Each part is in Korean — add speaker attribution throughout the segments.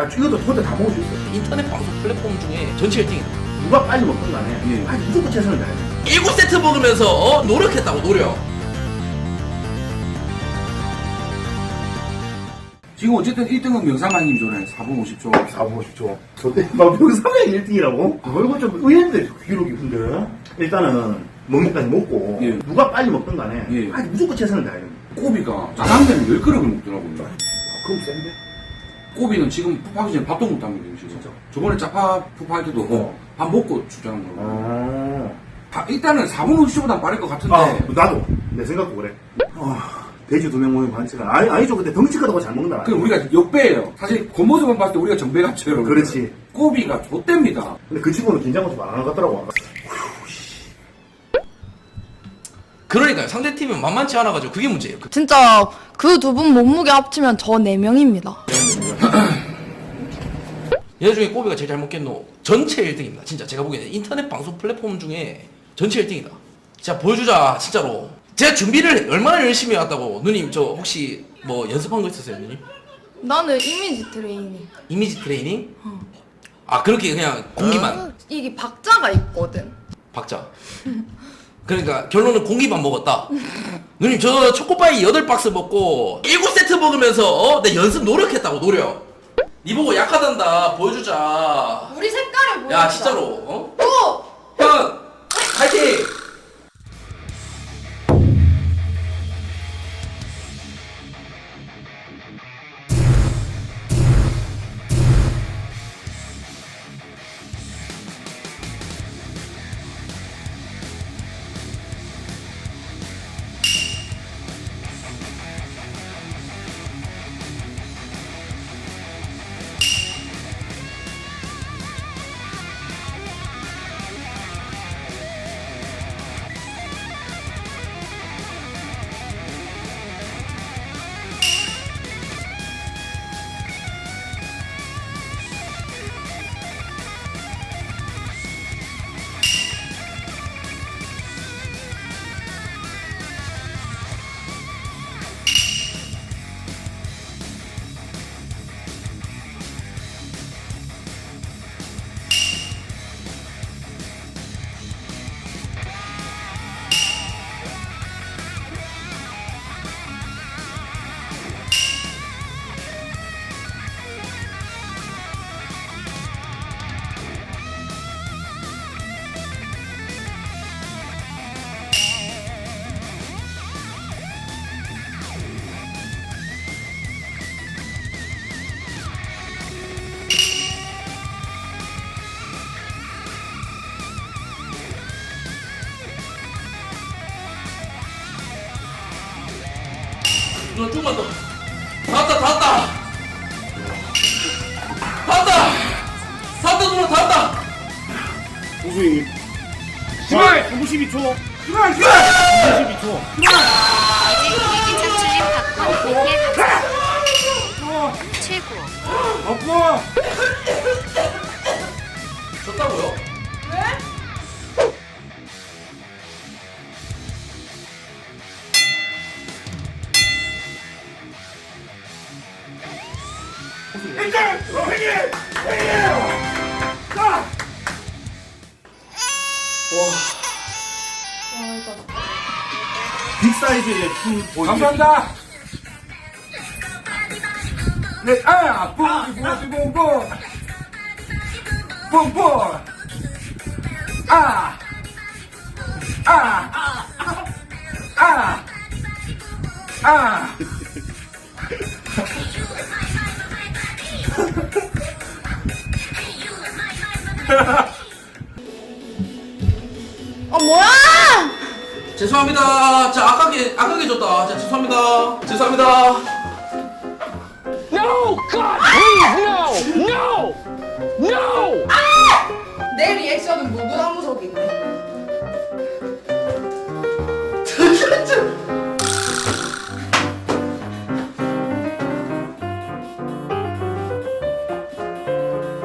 Speaker 1: 아 이것도 혼자 다 먹을 수 있어.
Speaker 2: 인터넷 방송 플랫폼 중에 전체 1등이다.
Speaker 1: 누가 빨리 먹든 간에
Speaker 3: 예.
Speaker 1: 아니 무조건 최선을 다해야 돼.
Speaker 2: 7세트 먹으면서 노력했다고 노력.
Speaker 3: 지금 어쨌든 1등은 명상만님 전에 4분 50초.
Speaker 1: 4분 50초. 저때 막 병사명이 1등이라고? 그거 좀 의외인데 기록이 근데 일단은 먹기까지 먹고
Speaker 3: 예.
Speaker 1: 누가 빨리 먹든 간에
Speaker 3: 예.
Speaker 1: 아니 무조건 최선을 다해야 돼.
Speaker 3: 꼬비가 짜장면 10그릇을 먹더라고요.
Speaker 1: 그럼 센데?
Speaker 3: 꼬비는 지금 푹하기 전에 밥도 못 합니다, 지금.
Speaker 1: 진짜?
Speaker 3: 저번에 짜파 푹할 때도 밥 먹고 주장한 거예요. 일단은 4분 50초보다 빠를 것 같은데.
Speaker 1: 아 나도 내 생각도 그래. 돼지 2명 모이면 반칙은 아니죠. 근데 덩치 크다고 잘 먹는다.
Speaker 3: 그 우리가 역배예요. 사실 겉모습만 봤을 때 우리가 정배 같죠, 여러분.
Speaker 1: 그렇지.
Speaker 3: 꼬비가 좆됩니다.
Speaker 1: 근데 그 친구는 긴장을 좀 안 하는 것 같더라고.
Speaker 2: 그러니까요. 상대팀은 만만치 않아가지고 그게 문제예요.
Speaker 4: 진짜 그 두 분 몸무게 합치면 저 4명입니다.
Speaker 2: 얘네 중에 꼬비가 제일 잘 먹겠노. 전체 1등입니다. 진짜 제가 보기에는 인터넷 방송 플랫폼 중에 전체 1등이다. 자 보여주자 진짜로. 제가 준비를 얼마나 열심히 해왔다고. 누님 저 혹시 뭐 연습한 거 있었어요 누님?
Speaker 4: 나는 이미지 트레이닝.
Speaker 2: 이미지 트레이닝? 아 그렇게 그냥 공기만
Speaker 4: 이게 박자가 있거든.
Speaker 2: 박자. 그러니까 결론은 공기만 먹었다. 누님 저 초코파이 8박스 먹고 7세트 먹으면서 내 연습 노력했다고 노력. 니 보고 약하단다 보여주자.
Speaker 4: 우리 색깔을 보여.
Speaker 2: 야 진짜로 어?
Speaker 4: 오!
Speaker 2: 형 파이팅! 너 좀만 더. 다 왔다. 누나 다 왔다.
Speaker 1: 우수이.
Speaker 5: 92초. 92초.
Speaker 6: 이제 창출님 받고 100개 감사. 최고.
Speaker 5: 없고.
Speaker 2: 졌다고요?
Speaker 1: 빅사이즈의 춤 보여주기.
Speaker 3: 감사합니다. 네, 뿡뿡뿡뿡. 뿡뿡. 아.
Speaker 4: 뭐야!
Speaker 2: 죄송합니다. 자 아까게 줬다. 자 죄송합니다.
Speaker 5: No, God, please, no.
Speaker 4: 내 리액션은 무구나무적이네.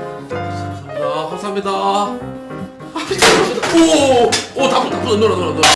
Speaker 2: 감사합니다. 오, 다부 놀아.